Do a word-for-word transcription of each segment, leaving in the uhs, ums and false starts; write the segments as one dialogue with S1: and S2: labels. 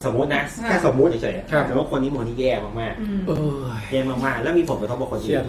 S1: สมมตินะแค่สมมติเฉยๆแต่ว่าคนนี้โมนี่แย่มากๆแย่มากๆแล้วมีผลกระทบกับคนอื่น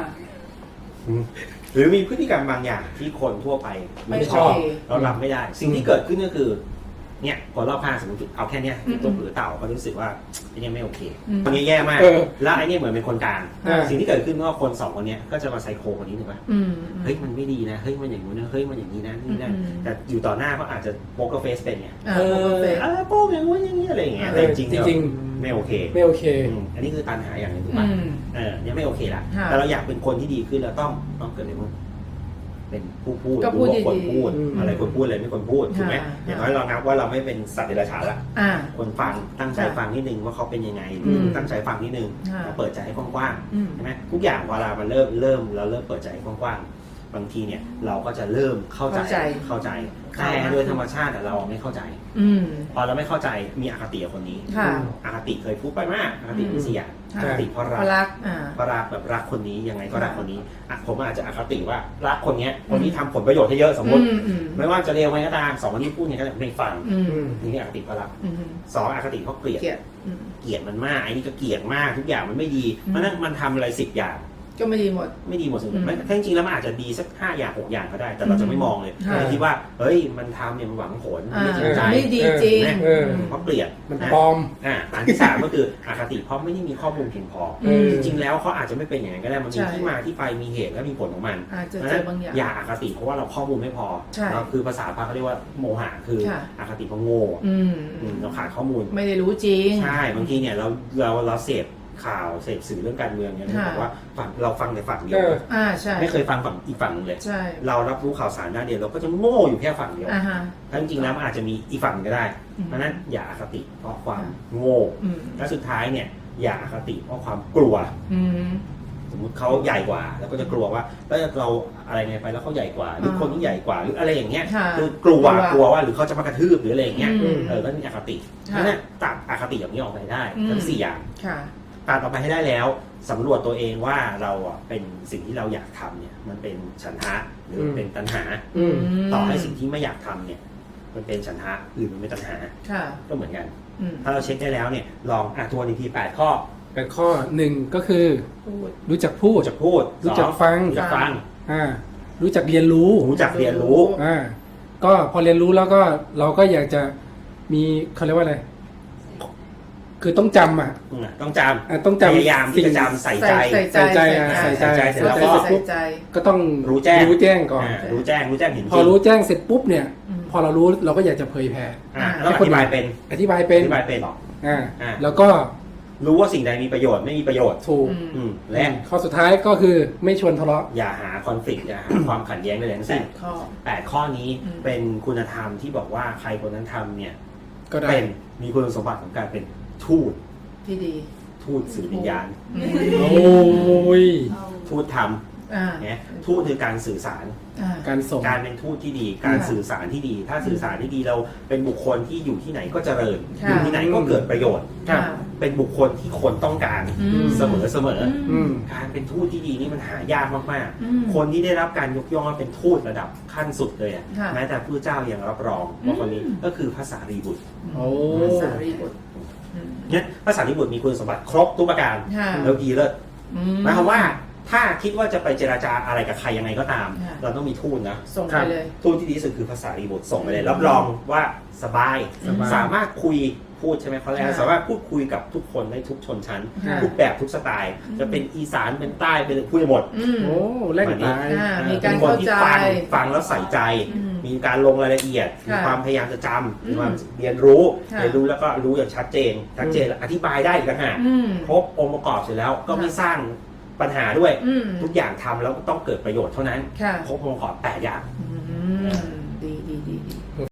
S1: หรือมีพฤติกรรมบางอย่างที่คนทั่วไปไม่ชอบเรารับไม่ได้สิ่งที่เกิดขึ้นก็คือเนี่ยคนรอบข้างสมมติเอาแค่เนี้ยตัวหรือเต่าก็รู้สึกว่าไอ้นี่ไม่โอเคคนนี้แย่มากแล้วไอ้นี่เหมือนเป็นคนกลางสิ่งที่เกิดขึ้นก็คนสองคนนี้ก็จะมาไซโคคนนี้ถูกไหมเฮ้ยมันไม่ดีนะเฮ้ยมันอย่างนู้นนะเฮ้ยมันอย่างนี้นะนี่นะแต่อยู่ต่อหน้าเขาอาจจะโป๊กเกอร์เฟสเป็นไงเออโป๊กอย่างนู้นอย่างนี้อะไรอย่างเงี้ยแต่จริงจริงไม่โอเค
S2: ไม่โอเค
S1: อันนี้คือตัณหาอย่างหนึ่งถูกป่ะเออเนี่ยไม่โอเคละแต่เราอยากเป็นคนที่ดีขึ้นเราต้องต้องเกิดอะไรบ้างเป็นผู้พูดรู้ว่าคนพูดอะไรคนพูดอะไรไม่คนพูดถูกไหมอย่างน้อยเรานับว่าเราไม่เป็นสัตว์เดรัจฉานละคนฟังตั้งใจฟังนิดนึงว่าเขาเป็นยังไงตั้งใจฟังนิดนึงเราเปิดใจให้กว้างๆใช่ไหมทุกอย่างเวลามันเริ่มเริ่มเราเริ่มเปิดใจให้กว้างๆบางทีเนี่ยเราก็จะเริ่มเข้าใจเข้าใจแต่โดยธรรมชาติเราไม่เข้าใจพอเราไม่เข้าใจมีอคติกับคนนี้อคติเคยพูดไปมากอคติเป็นสี่อย่างอคติเพราะรักเพราะรักแบบรักคนนี้ยังไงก็รักคนนี้ผมอาจจะอคติว่ารักคนนี้คนนี้ทำผลประโยชน์ให้เยอะสมมติไม่ว่าจะเร็วไหมก็ตามสองคนนี้พูดเนี่ยก็ไม่ฟังนี่อคติเพราะรักสองอคติเพราะเกลียดเกลียดมันมากไอ้นี่ก็เกลียดมากทุกอย่างมันไม่ดีเพราะนั้นมันทำอะไรสิบอย่าง
S3: ก็ไม่ดีหมด
S1: ไม่ดีหมดสุดไม่จริงๆแล้วมันอาจจะดีสักห้าอย่างหกอย่างก็ได้แต่เราจะไม่มองเลยเราคิดว่าเฮ้ยมันทำเนี่ยมันหวังผลไม่จริงใจ
S3: ไม่ดีจริง
S1: เพราะเกลียด
S2: มันปลอม
S1: อ่าอันที่สามก็คืออคติเพราะไม่ได้มีข้อมูลเพียงพอจริงๆแล้วเขาอาจจะไม่เป็นอย่างนั้นก็ได้มันมีที่มาที่ไปมีเหตุและมีผลของมัน
S3: เพราะฉะนั้น
S1: อย่าอคติเพราะว่าเราข้อมูลไม่พอเราคือภาษาพาเขาเรียกว่าโมหะคืออคติเพราะโง่เราขาดข้อมูล
S3: ไม่ได้รู้จริง
S1: ใช่บางทีเนี่ยเราเราเราเสพข่าวเสพสื่อเรื่องการเมืองเนี่ยบอกว่าฝั่งเราฟังในฝั่งเดียวไม่เคยฟังฝั่งอีกฝั่งนึงเลยเรารับรู้ข่าวสารด้านเดียวเราก็จะโง่อยู่แค่ฝั่งเดียวทั้งจริงแล้วมันอาจจะมีอีกฝั่งก็ได้เพราะนั้นอย่าอคติเพราะความโง่และสุดท้ายเนี่ยอย่าอคติเพราะความกลัวสมมติเขาใหญ่กว่าแล้วก็จะกลัวว่าแล้วเราอะไรไงไปแล้วเขาใหญ่กว่าหรือคนที่ใหญ่กว่าหรืออะไรอย่างเงี้ยคือกลัวกลัวว่าหรือเขาจะมากระทืบหรืออะไรอย่างเงี้ยเออก็มีอคติเพราะนั้นตัดอคติอย่างนี้ออกไปได้ทั้งสี่อย่างตัดออกไปให้ได้แล้วสำรวจตัวเองว่าเราอ่ะเป็นสิ่งที่เราอยากทำเนี่ยมันเป็นฉันทะหรือเป็นตัณหาต่อให้สิ่งที่ไม่อยากทำเนี่ยมันเป็นฉันทะหรือมันเป็นตัณหาก็เหมือนกันถ้าเราเช็คได้แล้วเนี่ยลองอ่ะทวนอีกทีแปดข้อ
S2: แปดข้อหนึ่งก็คือรู้จักพูด
S1: รู้จักพูด
S2: รู้จักฟัง
S1: รู้จักฟัง
S2: อ่ารู้จักเรียนรู้
S1: รู้จักเรียนรู้
S2: อ่าก็พอเรียนรู้แล้วก็เราก็อยากจะมีเขาเรียกว่าอะไรคือต้องจำอ่ะ
S1: ต้องจำ
S2: ต้องจำ
S1: พยายามที่จะจำใส่ใจ
S2: ใส่ใจใส่ใจเสร็จแล้วก็ก็ต้อง
S1: รู้แจ้ง
S2: รู้แจ้งก่อน
S1: รู้แจ้งรู้แจ้งเห็น
S2: พอรู้แจ้งเสร็จปุ๊บเนี่ยพอเรารู้เราก็อยากจะเผยแผ่
S1: แล้วอธิบายเป็น
S2: อธิบายเป็น
S1: อธิบายเป็น
S2: อ่าแล้วก็
S1: รู้ว่าสิ่งใดมีประโยชน์ไม่มีประโยชน์
S2: ถูก
S1: และ
S2: ข้อสุดท้ายก็คือไม่ชวนทะเลาะ
S1: อย่าหาคอนฟ lict อย่าหาความขัดแย้งใดๆทั้งสิ้นแปดข้อนี้เป็นคุณธรรมที่บอกว่าใครคนนั้นทำเนี่ย
S2: ก็ได้
S1: เป็นมีคุณสมบัติของการเป็นทูต
S3: ที่ดี
S1: ทูตสื่อวิญญาณ
S2: โอ้ย
S1: ทูตธรรมเนี่ยทูตคือการสื่อสาร
S2: การส่ง
S1: การเป็นทูตที่ดีการสื่อสารที่ดีถ้าสื่อสารที่ดีเราเป็นบุคคลที่อยู่ที่ไหนก็เจริญอยู่ที่ไหนก็เกิดประโยชน์เป็นบุคคลที่คนต้องการเสมอเสมอการเป็นทูตที่ดีนี่มันหายากมากๆคนที่ได้รับการยกย่องว่าเป็นทูตระดับขั้นสุดเลยแม้แต่พระเจ้ายังรับรองว่าคนนี้ก็คือพระสารีบุตร
S3: พระสารีบุตร
S1: เนี่ยพระสารีบุตรมีคุณสมบัติครบทุกประการแล้วดีเลิศหมายความว่าถ้าคิดว่าจะไปเจราจาอะไรกับใครยังไงก็ตามเราต้องมีทูตนะ
S3: ส่งไปเลย
S1: ทูตที่ดีที่สุดคือภาษารีบุตรส่งไปเลยรับรองว่าสบายสามารถคุยพูดใช่ไหมเขาเรียกสามารถพูดคุยกับทุกคนได้ทุกชนชั้นทุกแบบทุกสไตล์จะเป็นอีสานเป็นใต้เป็นพูดได้หมด
S2: โอ้แลกตาย
S3: มีการเข้าใจ
S1: ฟังฟังแล้วใส่ใจมีการลงรายละเอียดมีความพยายามจะจำมีความเรียนรู้เรียนรู้แล้วก็รู้อย่างชัดเจนชัดเจนอธิบายได้อีกต่างหากครบองค์ประกอบเสร็จแล้วก็ไม่สร้างปัญหาด้วยทุกอย่างทำแล้วต้องเกิดประโยชน์เท่านั้นครบองค์ประกอบแปดอย่าง
S3: ดีดีดี